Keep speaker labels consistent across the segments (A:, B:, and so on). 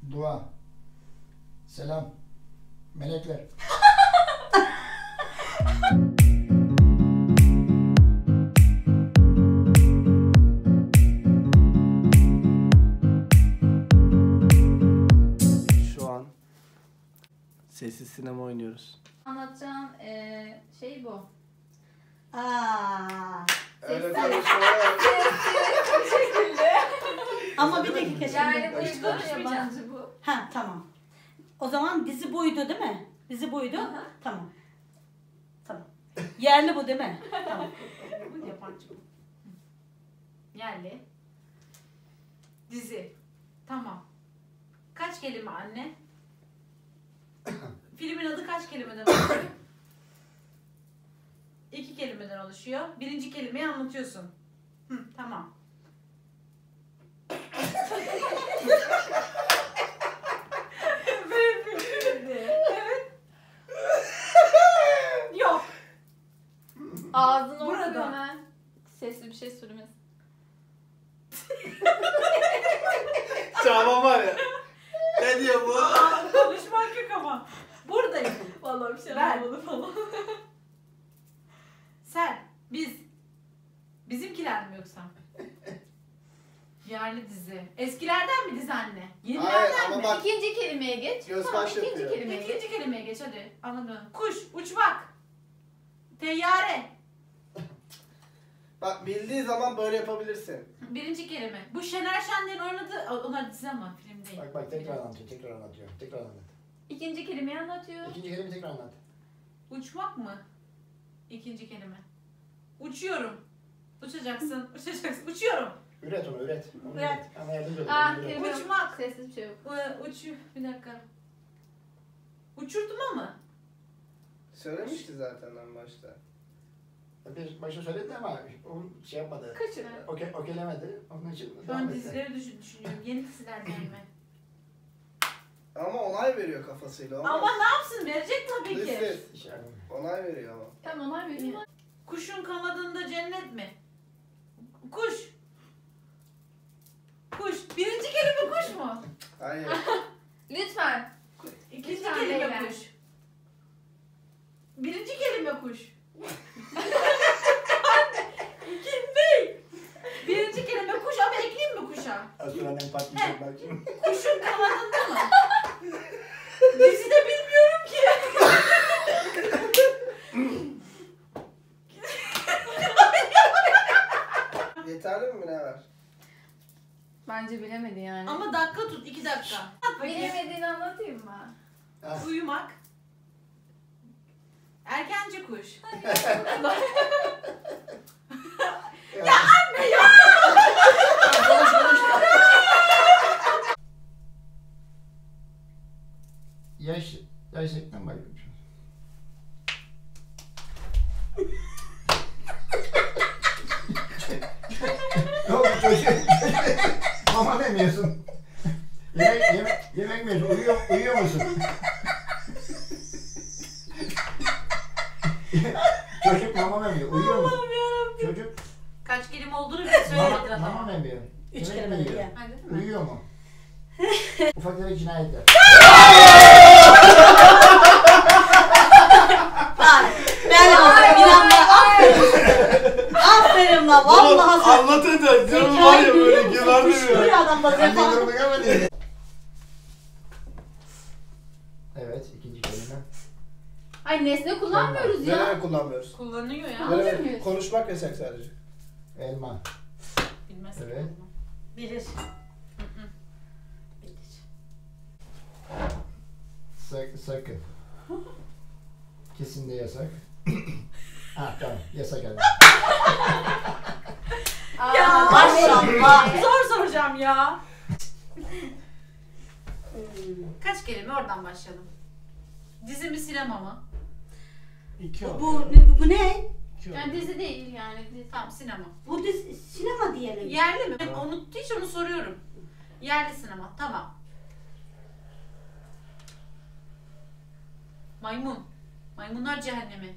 A: Dua. Selam. Melekler.
B: Şu an sessiz sinema oynuyoruz.
C: Anlatacağım şey bu.
B: Öyle
C: Sesler.
B: konuşuyorlar.
C: Bu şekilde.
D: Ama bir dakika
C: Yani
D: şimdi.
C: bu yabancı bu.
D: Ha tamam. O zaman dizi buydu değil mi? Dizi buydu.
C: Aha.
D: Tamam. Tamam. Yerli bu değil mi? Tamam.
C: Bu yabancı bu. Yerli. Dizi. Tamam. Kaç kelime anne? Filmin adı kaç kelimeden oluşuyor? 2 kelimeden oluşuyor. Birinci kelimeyi anlatıyorsun. Tamam. Evet. Yok.
E: Ağzını
C: Burada.
E: okuyor hemen. Sesli bir şey söylemez.
B: Çağman var ya. Ne diyor bu?
C: Konuşmak yok ama. Buradayım.
E: Vallahi bir şey
C: Ben.
E: anlamadım falan.
C: Sen, biz. Bizimkiler mi yoksa? Yerli dizi. Eskilerden mi dizi anne?
B: Hayır
C: Yenilerden
B: ama
C: mi?
B: bak
E: İkinci kelimeye geç.
B: Göz
E: Tamam,
B: baş
E: ikinci
B: yapıyor.
E: kelimeye geç.
C: İkinci kelimeye geç hadi. Anladım. Kuş, uçmak. Teyyare.
B: bak bildiği zaman böyle yapabilirsin.
C: Birinci kelime. Bu Şener Şen'lerin oynadığı, onlar dizi ama film değil.
A: Bak tekrar anlatıyor. Tekrar anlatıyor. Tekrar anlat.
E: İkinci kelimeyi anlatıyor.
A: İkinci kelime tekrar anlat.
C: Uçmak mı? İkinci kelime. Uçuyorum. Uçacaksın, uçacaksın. Uçuyorum.
A: Üret onu üret. Onu
D: Üret.
A: Ama yardımcı ol.
E: Ah,
A: Üret.
E: kelime yok.
C: Uçmak.
E: Sessiz bir şey yok.
C: Bir dakika. Uçurtma mı?
B: Söylemişti zaten en başta.
A: Bir başta söyledi ama o şey yapmadı.
E: Kaçır.
A: Okelemedi. Onun için
C: Şu
A: devam
C: an
A: etti.
C: dizileri düşünüyorum. Yeni dizilerden mi?
B: Ama onay veriyor kafasıyla. Olmaz.
C: Ama ne yapsın? Verecek tabii ki.
B: Lütfen.
A: İş yani.
B: Onay veriyor ama.
E: Tamam onlar veriyor.
C: Kuşun kanadında cennet mi? Kuş. Kuş. Birinci kelime kuş mu?
B: Hayır.
E: Lütfen.
C: İkinci
E: Lütfen
C: kelime
E: beyler.
C: kuş. Birinci kelime kuş. İkinci değil. Birinci kelime kuş ama ekleyeyim mi kuşa?
A: Astralen patlayacak bak şimdi.
C: Kuşun kanadında mı? Dizide bilmiyorum ki.
B: Yeterli mi ne var?
E: Bence bilemedi yani.
C: Ama dakika tut. 2 dakika. At bakayım.
E: Bilemediğini anlatayım mı?
A: Ha.
C: Uyumak. Erkenci kuş.
A: Ya anne ya! Konuş konuş. Yaş şekline bakıyorum. Ne oldu çocuğum? Mama demiyorsun. Yemek mi yiyorsun? Uyuyor musun? Çocuk mama mı yiyor? Uyuyor musun? Çocuk
C: Kaç kelime olduğunu bile söylemediler
A: mama
C: ama.
A: mı yiyor?
D: Üç
A: Yemek mi
D: kelime
A: yiyor?
D: diye.
C: Ha, değil mi?
A: Uyuyor mu? Ufak tefek cinayetler.
D: Bak ben bir anda aferin. Aferin la vallahi sen.
B: Anlatacak. Canım
D: Zekalı
B: var ya böyle
D: görüyor musun?
B: yılan
D: Kuşkuyor
B: demiyor.
D: adam da
A: Annenin
D: zekalı.
A: durumunu görmedin. Evet, ikinci kelime.
E: Ay nesne kullanmıyoruz ya.
B: Neler kullanmıyoruz?
C: Kullanıyor ya.
E: Kullanıyor
B: Neler?
E: muyuz?
B: Konuşmak yasak sadece.
A: Elma.
C: Bilmez.
A: Evet.
D: Bilir.
A: Sakın. Kesin de yasak. Ha tamam, yasak elma.
C: Ya
D: maşallah.
C: Zor soracağım ya. Kaç kelime oradan başlayalım. Dizi mi sinema mı?
B: İki
D: Bu ne?
E: Yani dizi değil yani. Dizi.
C: Tamam sinema.
D: Bu dizi, sinema diyelim.
C: Yerli mi? Ben hiç onu soruyorum. Yerli sinema. Tamam. Maymun. Maymunlar cehennemi.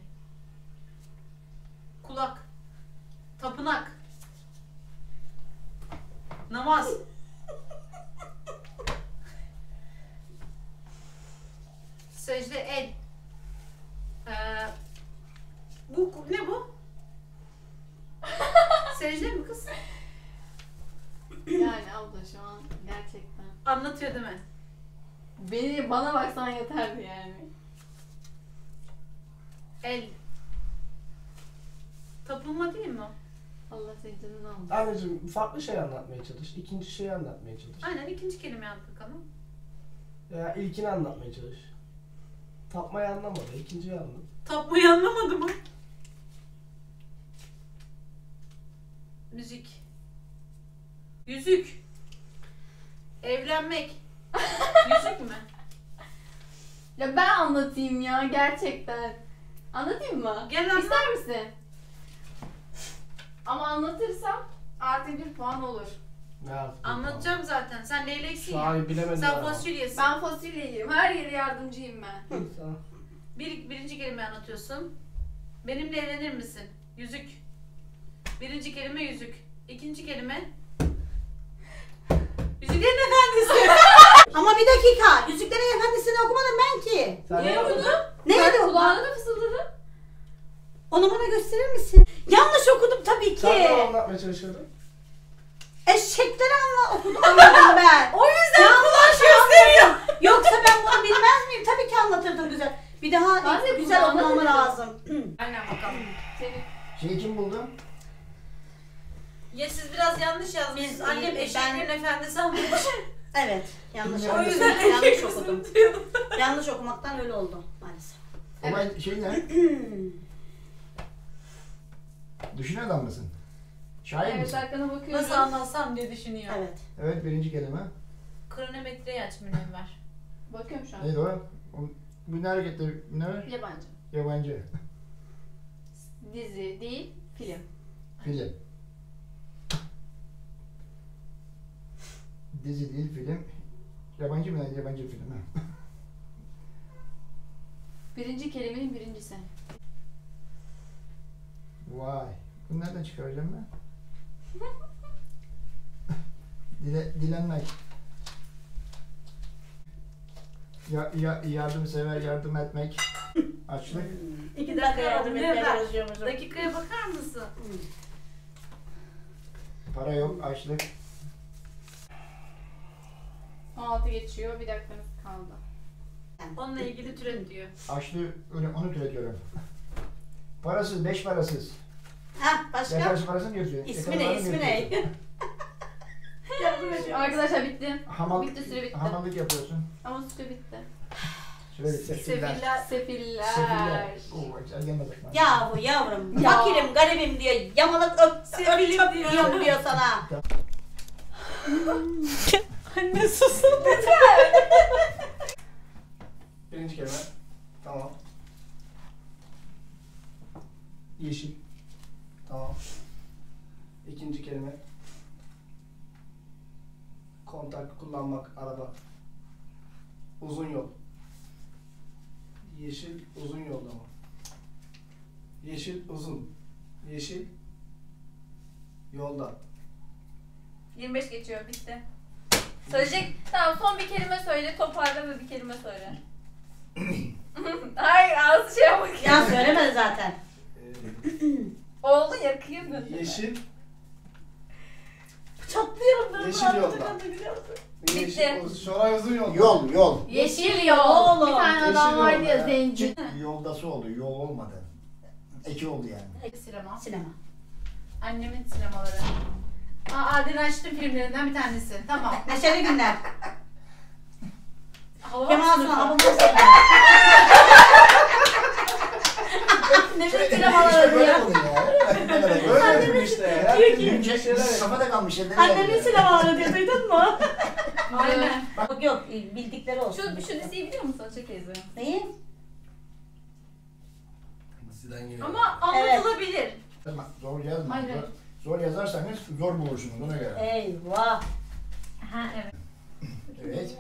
C: Kulak. Tapınak. Namaz. Secde el. Bu ne bu? Secde mi kız?
E: Yani abla şu an gerçekten.
C: Anlatıyor değil mi?
E: Bana baksan yeterdi yani.
C: El. Tapınma değil mi o?
E: Allah senin canını almasın.
B: Anneciğim farklı şey anlatmaya çalış. İkinci şeyi anlatmaya çalış.
C: Aynen ikinci kelime yap bakalım.
B: Veya ilkini anlatmaya çalış. Tapmayı anlamadı. İkinciyi anlat.
C: Tapmayı anlamadı mı? Müzik. Yüzük. Evlenmek. Yüzük mü?
E: Ya ben anlatayım ya gerçekten. Anlatayım mı?
C: Gel anlat.
E: İster misin? Ama anlatırsam artı 1 puan olur.
B: Ne yaptın?
C: Anlatacağım zaten. Sen leyleksin
B: Şu
C: ya.
B: an bilemedim.
C: Sen
B: ama.
C: fasulyesin.
E: Ben fasulyeyim. Her yere yardımcıyım ben.
B: Tamam.
C: Birinci kelime anlatıyorsun. Benimle evlenir misin? Yüzük. Birinci kelime yüzük. İkinci kelime. Yüzüklerin Efendisi.
D: Ama bir dakika. Yüzüklerin Efendisi'ni okumadım ben ki.
B: Sen
C: Niye
B: ne
C: okudun?
D: Ne
E: Ben
D: dedi o?
E: kulağına da fısıldadı.
D: Onu bana gösterir misin? Yanlış okudum tabii ki.
B: Sen ne anlatmaya çalışıyordun?
D: Eşekleri anladım ben.
C: O yüzden
D: Yanlış
C: kulak gösteriyor.
D: anladım. Yoksa ben bunu bilmez miyim? Tabii ki anlatırdım güzel. Bir daha
E: Ben de
D: güzel
E: kulağına
D: okumam
E: dedim.
D: lazım.
C: Aynen bakalım.
E: Senin.
A: Şeyi kim buldu?
C: Ya siz biraz yanlış yazmışsınız.
D: Biz-
C: Annem
D: ben-
C: eşeklerin efendisi almış.
D: Evet. Yanlış
A: O
D: okudum.
C: yüzden
D: Yanlış okudum. Yanlış okumaktan öyle oldu maalesef.
A: Olay şey ne? Düşünen adam mısın? Şair
E: Evet
A: misin?
E: arkana bakıyorum.
C: Nasıl anlatsam diye düşünüyor.
D: Evet.
A: Evet, birinci kelime.
C: Kronometreyi aç Münevver.
E: Bakıyorum şu an.
A: Neydi o? Bu ne hareketleri? Ne?
E: Yabancı.
A: Yabancı.
E: Dizi değil, film.
A: Film. Dizi değil, film. Yabancı mı? Yabancı film. Ha.
E: Birinci kelimenin birincisi.
A: Vay. Bunu nereden çıkaracağım ben? Dilenmek. Yardımsever, yardım etmek. Açlık.
D: 2 dakika yardım etmeye
C: Münevver,
D: çalışıyormuşum.
C: dakikaya bakar mısın?
A: Para yok, açlık.
E: 16 geçiyor, bir dakikamız kaldı.
C: Onunla ilgili türet diyor.
A: Açlığı, onu türetiyorum. Parasız, 5 parasız.
D: Ha başka?
A: Yakarsı parasını götürüyor.
D: İsmi ne? İsmi ne? Yardım ediyorum.
E: Arkadaşlar bitti.
A: Hamal,
E: Bitti, süre bitti.
A: hamallık yapıyorsun.
E: Ama süre bitti.
A: Süre bitti.
C: Sefiller.
E: Sefiller.
A: Sefiller. Oo, güzel gelmez aklıma.
D: Yahu yavrum,
E: Ya.
D: fakirim, garibim diyor, yamalık öp
C: Sevilim
D: çöp
C: diyor.
D: yiyorum diyor sana.
C: Anne susun.
B: Birinci kelime. Tamam. Yeşil. Tamam. İkinci kelime. Kontak kullanmak, araba. Uzun yol. Yeşil uzun yolda mı? Yeşil uzun. Yeşil yolda.
E: 25 geçiyor, bitti. Söyleyecek, tamam son bir kelime söyle, toparla ve bir kelime söyle. Hayır, ağzı şey yapmak.
D: Ya söylemedi zaten.
E: Oldu ya, kıyamın.
B: Yeşil,
D: Çatlıyorum ben.
B: yeşil yolda. Yeşil, Şoray uzun yolda.
A: Yol.
E: Yeşil yol.
D: Oğlum.
E: Bir tane adam
B: Yeşil
E: vardı
B: yol
E: ya,
B: ya.
E: zenci.
A: Yoldası oldu, yol olmadı. Eki oldu yani.
C: Sinema.
D: Sinema.
C: Annemin sinemaları. Adil Raşit'in filmlerinden bir tanesi. Tamam.
D: Neşeli günler.
C: Hava
D: Kemal
C: sınıfı.
D: Sunal, Abdullah Selim.
A: İşte
D: sinemaları
A: böyle
D: diyor.
A: oluyor ya.
B: Böyle dedim işte. Herkes bir şeyler
A: Kafada kalmış elleri.
D: Annemin sinemaları diyor, duydun mu?
C: Aynen.
D: Yok yok, bildikleri olsun.
E: Şu diziyi biliyor musun Açık teyze?
D: Neyi?
C: Ama anlatılabilir.
A: Zor yazma.
E: Hayır, hayır.
A: Zor yazarsanız zor bulursunuz ona göre.
D: Eyvah.
C: Ha evet.
A: Evet.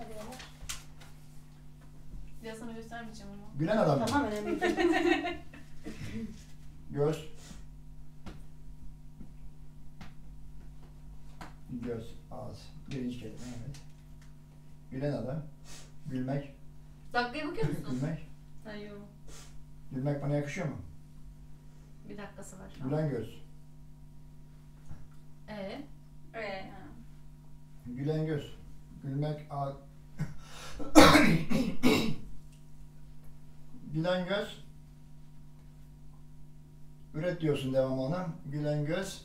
E: Ya sana göstermeyeceğim ama.
A: Gülen adam. mı?
D: Tamam, önemli değil.
A: Göz. Göz, ağız. Birinci kelime evet. Gülen adam. Gülmek.
E: Dakikaya bakıyor musun?
A: Gülmek.
E: Hayır.
A: Gülmek bana yakışıyor mu?
C: Bir dakikası var şu an.
A: Gülen göz.
E: Ha.
A: Gülen göz. Gülmek Gülen göz. Üret diyorsun devamlı ona. Gülen göz.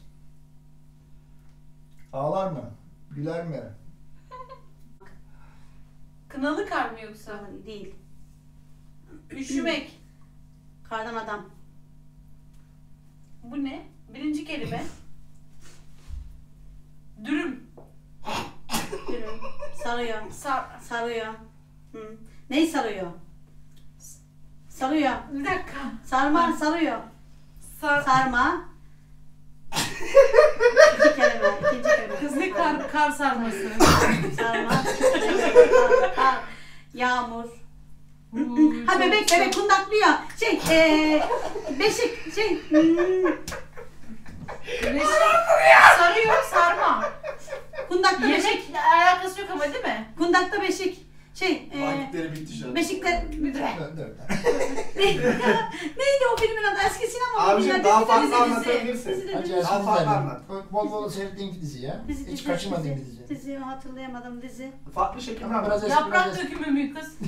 A: Ağlar mı? Güler mi?
C: Kınalı kar mı yoksa?
D: Değil.
C: Üşümek.
D: Kardan adam.
C: Bu ne? Birinci kelime. Dürüm.
D: Dürüm. Sarıyor. Sarıyor. Hı. Neyi sarıyor? Sarıyor.
C: Bir dakika.
D: Sarma sarıyor. Sarma. İkinci kelime.
C: Kız ne kar sarması.
D: Sarma. Kar. Yağmur. Ha bebek kundaklıyor. Beşik
C: Sarıyor, sarma.
D: kundakta beşik.
C: Yemek alakası yok ama değil mi?
D: Kundakta beşik.
B: Vakitleri bitti şu an.
D: Beşikler.
A: Dur.
D: Neydi o filmin adı? Eski sinema
B: Abicim
D: filmi.
B: daha
D: Dizi,
B: farklı
D: dizi,
B: anlatabilirsin.
D: dizi,
A: Hadi
D: dizi.
A: ya,
B: Daha farklı anlat.
A: Bol bol seyrettiğin bir dizi ya.
D: Dizi,
A: Hiç
D: dizi,
A: kaçırmadığın bir dizi.
D: Dizi hatırlayamadım dizi.
B: Farklı şekilde
A: Ama
B: anlat.
A: biraz eski,
C: Yaprak
A: biraz eski.
C: dökümü mü kız?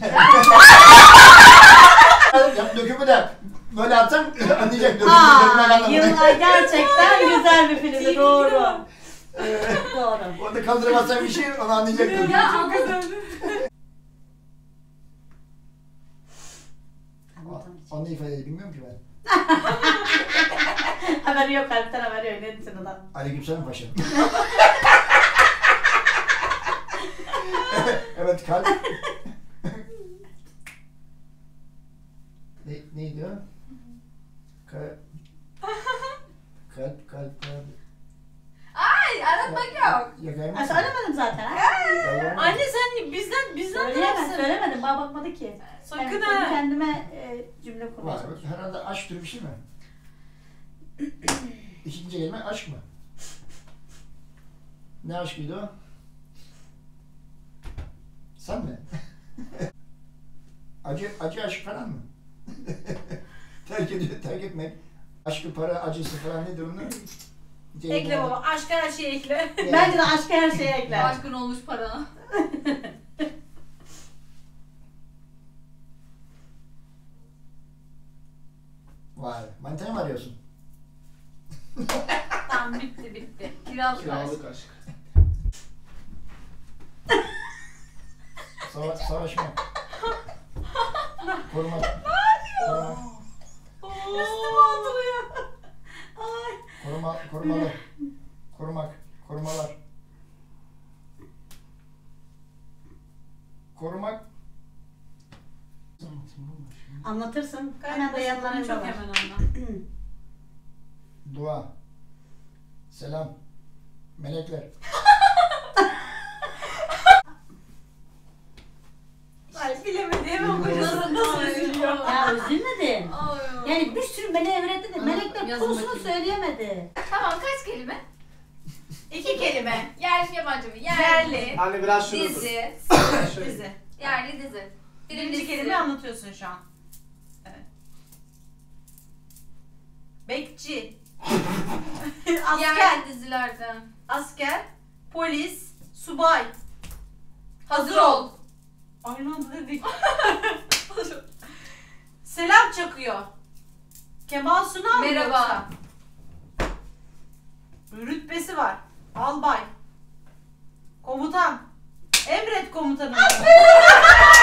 A: Ya dökümü de böyle atsan anlayacak. Dökümü
D: Aa, yıllar gerçekten güzel bir filmdi. Doğru. Doğru.
A: Orada kaldıramazsan bir şey onu anlayacak.
C: Ya çok güzel.
A: Anne ifadeyi bilmiyorum ki ben.
D: Haberi yok, kalpten haberi yok. Ne diyorsun adam?
A: Aleykümselam paşam. Evet kalp. Neydi o? Kalp.
E: Ay aratmak yok.
A: Yakar
D: Ha,
A: mısın?
D: söylemedim zaten. Ha?
C: Anne sen bizden tarafsın.
D: Söylemedim. Bana bakmadı ki.
C: Sakın
D: Evet,
C: ha.
D: kendime cümle kurmaya
A: Var.
D: çalışıyorum.
A: Herhalde aşk türü bir şey mi? İkinci kelime aşk mı? Ne aşkıydı o? Sen mi? acı aşk falan mı? terk etmek. Aşkı, para, acısı falan nedir onlar?
C: Ekle baba. Aşka her şeyi ekle.
D: Bence de aşka her şeye ekler.
E: Aşkın olmuş parana.
A: Vay. Manitayı mı arıyorsun?
C: Tamam bitti.
E: Kiralık aşk.
B: Kiralık aşk.
A: Savaşmak. Korumak.
D: Üstüme oturuyor. Ay.
A: Korumalı. Korumalar. Korumak.
D: Anlatırsın. Hemen de yanlarında
C: Çok
D: var.
C: hemen anla.
A: Dua. Selam. Melekler.
C: Ay bilemediğim kocası nasıl üzülüyor.
D: Ya üzülmedin.
E: Ay.
D: Yani bir sürü meleğe öğretti de
A: Ama
D: melekler
C: yazın
D: konusunu
C: bakayım.
D: söyleyemedi.
E: Tamam kaç kelime?
C: 2 kelime.
E: Yerli mi yabancı mı?
C: Yerli.
B: Anne biraz şunu tut.
E: Dizi.
B: Şöyle.
C: Dizi.
E: Yerli dizi.
C: Birinci kelime anlatıyorsun şu an. Evet. Bekçi. Asker.
E: Yerli dizilerden.
C: Asker. Polis. Subay.
E: Hazır ol.
C: Aynı anda dedik. Selam çakıyor. Kemal Sunal mı
E: Merhaba.
C: yoksa? Rütbesi var. Albay. Komutan. Emret komutanım.